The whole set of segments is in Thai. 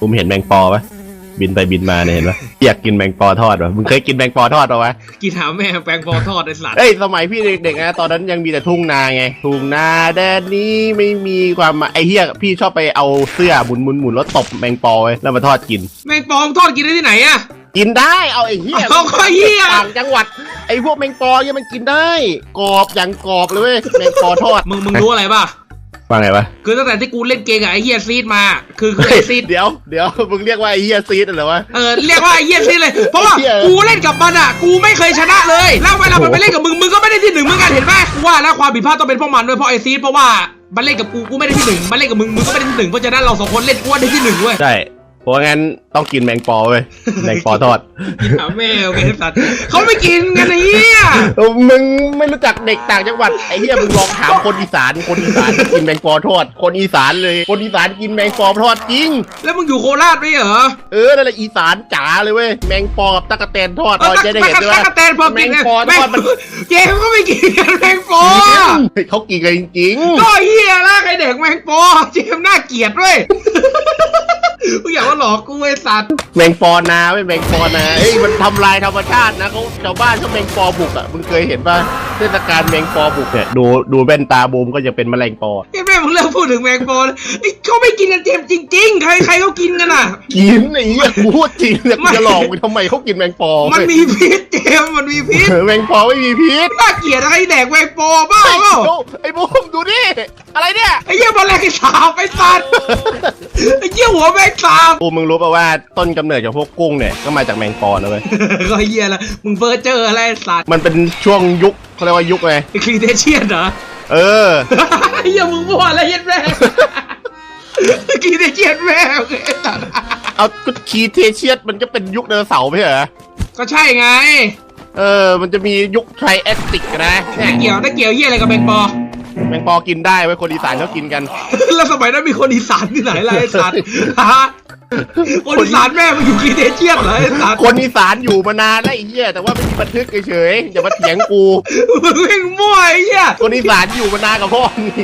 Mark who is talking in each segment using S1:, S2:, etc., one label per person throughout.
S1: ผมเห็นแมงปอปะบินไปบินมาเนี่ยเห็นปะอยากกินแมงปอทอดปะมึงเคยกินแมงปอทอดปะวะ
S2: กินหาแม่แปลงปอทอดไอ้สัตว์
S1: สมัยพี่เด็กๆนะตอนนั้นยังมีแต่ทุ่งนาไงทุ่งนาแดนนี้ไม่มีความไอ้เหี้ยพี่ชอบไปเอาเสื้อหมุนแล้วตบแมงปอไว้แล้วมาทอดกิน
S2: แมงปอทอดกินได้ที่ไหนอะ
S1: กินได้เอาไอ้เหี้ย
S2: เอาก็เหี้ย
S1: ต่างจังหวัดไอ้พวกแมงปอเนี่ยมันกินได้กรอบอย่างกรอบเลยเว้ยแมงปอทอด
S2: มึงรู้อะไรป่ะ
S1: ว่าไงวะ
S2: คือตั้งแต่ที่กูเล่นเกมกับไอ้เฮียซีดมาคือไอ้ซีด
S1: เดี๋ยวมึงเรียกว่าไอ้เฮียซีดเหรอวะ
S2: เรียกว่าไอ้เฮียซีดเลยเพราะว่ากูเล่นกับมันอ่ะกูไม่เคยชนะเลยแล้วเวลามันไปเล่นกับมึงก็ไม่ได้ที่หนึ่งเหมือนกันเห็นไหมกูว่าแล้วความผิดพลาดต้องเป็นพวกมันด้วยเพราะไอ้ซีดเพราะว่ามันเล่นกับกูไม่ได้ที่หนึ่งมันเล่นกับมึงก็ไม่ได้ที่หนึ่งเพราะฉะนั้นเราสองคนเล่นกูได้ที่หนึ่งเว้ย
S1: ใช่เพราะงั้นต้องกินแมงปอเว้ยแมงปอทอด
S2: แม่โอเคสัตว์เขาไม่กินกันไอ้เหี้ย
S1: มึงไม่รู้จักเด็กต่างจังหวัดไอ้เหี้ยมึงลองถามคนอีสานกินแมงปอทอดคนอีสานเลยคนอีสานกินแมงปอทอดจริง
S2: แล้วมึงอยู่โคราชไหมเหรอ
S1: นั่นแหละอีสานจ๋าเลยเว้ยแมงปอกับตะกะแตนทอดเราจะได้เห็นด้วยว่า
S2: ตะกะแตนพอกิน
S1: แมงปอทอดมัน
S2: เจมก็ไม่กินกันแมงปอ
S1: เขากินกันจริง
S2: ก็เหี้ยละใครเด็กแมงปอเจมน่าเกลียดด้วยมึงอยากว่าหลอกกูไอ้สัตว์
S1: แมงปอนาไม่แมงปอนามันทำลายธรรมชาตินะเขาชาวบ้านเขาแมงปอบุกอ่ะมึงเคยเห็นป่ะเทศกาลแมงปอบุกเนี่ยดูแว่นตาบูมก็จะเป็นแมลงปอ
S2: แม่มึงเลิกพูดถึงแมงปอเขาไม่กินกันเจมจริงๆใครเขากินกันอ่ะ
S1: กินไอ้เหี้ยกูพูดจริงเนี่ยจะหลอกมึงทำไมเขากินแมงปอ
S2: มันมีพิษเจมมันมีพิษ
S1: แมงปอไม่มีพิษ
S2: น่าเกลียดอะไรแดกแมงปอบ้าเปล่า
S1: ไอ้บูมดูดิอะไรเนี่ย
S2: ไอ้เหี้ยแมลงสาบไอ้สัตว์ไอ้เหี้ยหัวแมงสาบ
S1: บูมมึงรู้ป่ะว่าต้นกำเนิดจากพวกกุ้งเนี่ยก็มาจากแมงปอนะเว้ย
S2: ก็เหี้ยละมึงเฟอร์เจออะไรสัตว์
S1: มันเป็นช่วงยุคเขาเรียกว่ายุคไง
S2: ครีเทเชียนเหรอไอ้เหี้ยมึงมั่วอะไรยัดแม่ครีเทเชียนแม่โอเคสัตว์
S1: เอาครีเทเชียนมันก็เป็นยุคไดโนเสาร์ไม่ใช่เหรอ
S2: ก็ใช่ไง
S1: มันจะมียุคไทรแอสติกนะ
S2: ได้เกี่ยวเหี้ยอะไรกับแมงปอ
S1: กินได้ไว้คนอีสานเขากินกัน
S2: แล้วสมัยนั้นมีคนอีสานที่ไหนล่ะไอ้สัตว์คนอีสานแม่มันอยู่ครีเทเชียนเหรอไอ้สัตว์
S1: คนอีสานอยู่มานานแล้วไอ้เหี้ยแต่ว่าไม่มีบันทึกเฉยๆอย่ามาเถียงกู
S2: มึงเล่นมั่วไอ้เหี้ย
S1: คนอีสานอยู่มานานกับพ่อนี่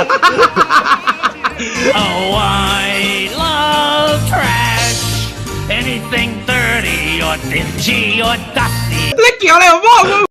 S3: Oh I love trash anything dirty or dingy or dusty
S2: แล้วเกี่ยวอะไรกับพ่อ